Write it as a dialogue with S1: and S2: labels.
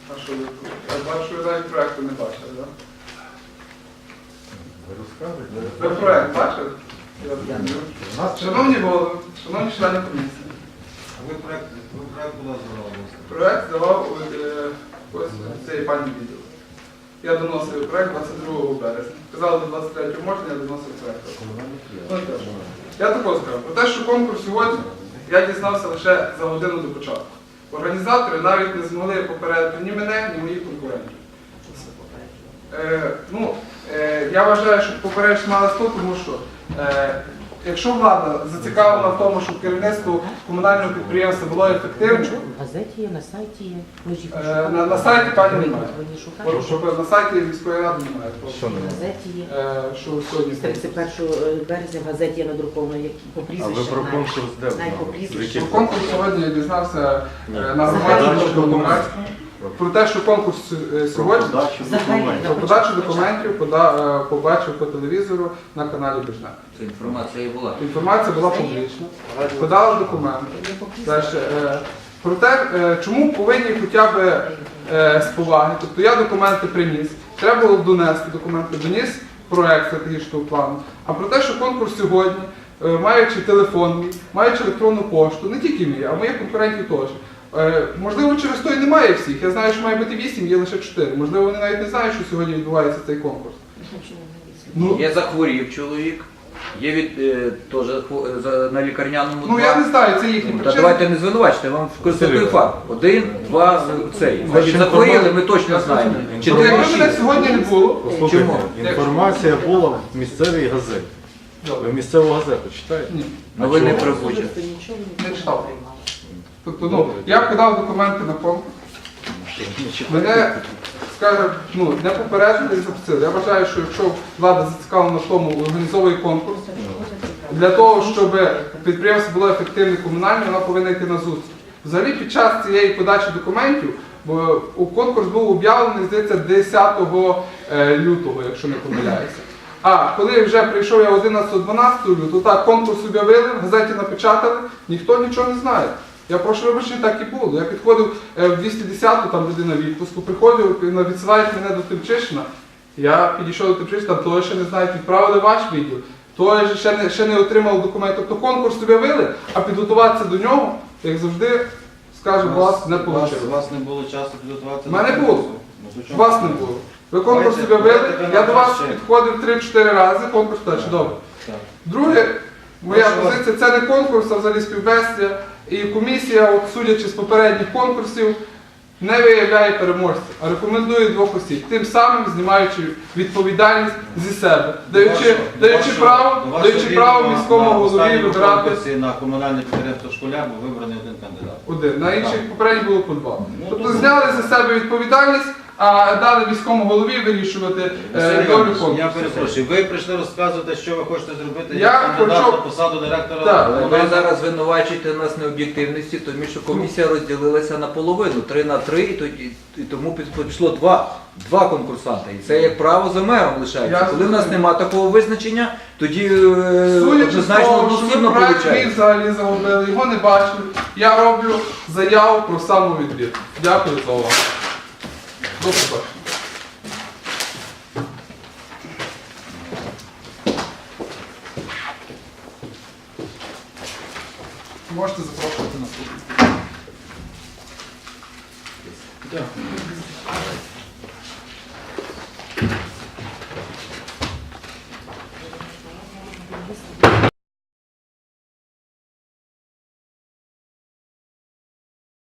S1: А що ви? Я бачу, ви навіть проєкту не бачили, так?
S2: Ви розказуєте?
S1: Ви проєкт бачили? Шановні голови, шановні члени комісії,
S2: Ви проєкт куди здавали?
S1: проєкт давав ось цієї пані відділу. Я доносив проєкт 22 березня. Казали, до 23 можна, я доносив проєкт. Я також скажу, про те, що конкурс сьогодні, я дізнався лише за годину до початку. Організатори навіть не змогли попередити ні мене, ні моїх конкурентів. Я вважаю, що попередити мали сто, тому що якщо влада зацікавлена в тому, щоб керівництво комунального підприємства було ефективним,
S3: В газеті є, на сайті є. Ви ж їх
S1: на сайті пані немає.
S3: Ви не шукаєте?
S1: Щоб на сайті міської ради немає.
S2: Що
S3: В
S2: немає?
S3: газеті є.
S1: Що сьогодні?
S3: З 31 березня в газеті є надруковано, як по
S2: А ви
S3: прізвищах.
S2: про конкурс де
S3: Навіть по
S2: знали?
S3: прізвищах.
S1: Про конкурс сьогодні я дізнався на
S3: Загальні
S1: громадському
S2: документи.
S1: про те, що конкурс сьогодні
S3: Взагалі,
S1: про подачу документів побачив по телевізору на каналі Бежна.
S4: Це інформація і була.
S1: Інформація була публічна, подали документи. Далі, про те, чому повинні хоча б з поваги. Тобто я документи приніс, треба було донести документи, доніс проєкт стратегічного плану. А про те, що конкурс сьогодні, маючи телефон мій, маючи електронну пошту, не тільки мій, а моїх конкурентів теж. Можливо, через то і немає всіх. Я знаю, що має бути 8, є лише 4. Можливо, вони навіть не знають, що сьогодні відбувається цей конкурс.
S4: Є захворів чоловік, є теж на лікарняному.
S1: Ну я не знаю, це їхні
S4: Та
S1: причини.
S4: давайте не звинувачте, я вам констатую факт. 1, 2, цей. Значить, захворіли, ми точно знаємо. Чи
S1: Ну, якби
S4: 6.
S1: мене сьогодні не було,
S2: Послухайте,
S4: Чому?
S2: інформація була в місцевій газеті. Ви місцеву газету читаєте?
S1: ні,
S4: Ну ви не
S2: чого?
S4: прибучі.
S1: не читав. Тобто, я подав документи на конкурс. Мене, скажімо, не попередили і запустили. Я вважаю, що якщо влада зацікавлена в тому, організовує конкурс, для того, щоб підприємство було ефективне комунальне, вона повинна йти на зустріч. Взагалі, під час цієї подачі документів, бо конкурс був об'явлений, здається, 10 лютого, якщо не помиляюся. А коли вже прийшов я 11-12 лютого, так, конкурс об'явили, в газеті напечатали, ніхто нічого не знає. Я прошу вибачення, так і було. Я підходив в 210-ту, там людина в відпуску, приходив, відсилають мене до Тимчишина. Я підійшов до Тимчишина, там того ще не знають, відправили ваш відділ, той ще не отримав документ. Тобто конкурс об'явили, а підготуватися до нього, як завжди, скажу, вас не вийшло.
S5: У вас не було часу підготуватися?
S1: У мене
S5: до
S1: було.
S5: конкурсу? Ну, то чому?
S1: Вас не було. Ви конкурс об'явили, я до вас підходив 3-4 рази, конкурс так, чудово.
S5: Так.
S1: Друге, моя
S5: Прошу вас.
S1: позиція, це не конкурс, а взагалі співбесія. І комісія, от, судячи з попередніх конкурсів, не виявляє переможців, а рекомендує двох осіб, тим самим знімаючи відповідальність зі себе, даючи право міському голові вибирати
S5: На комунальне підприємство «Школяр» був вибраний один кандидат.
S1: один. На інших попередніх було по два. Тобто зняли за себе відповідальність, а дали міському голові вирішувати долю конкурсу.
S5: Я перепрошую, ви прийшли розказувати, що ви хочете зробити
S1: Я
S5: як кандидат
S1: хочу-
S5: на посаду директора?
S1: Так.
S4: Ви зараз звинувачуєте нас необ'єктивності, тому що комісія розділилася наполовину, 3-3, і тому пішло два конкурсанти. І це як право за мером лишається.
S1: Я
S4: Коли в нас
S1: зрозумів.
S4: немає такого визначення, тоді
S1: Судячи з
S4: однозначно
S1: того, що ви
S4: одноцінно
S1: проект мій
S4: виходить.
S1: взагалі загубили, його не бачили, я роблю заяву про самовідвід. Дякую за увагу. До побачення. Можете запрошувати наступного.
S5: Так.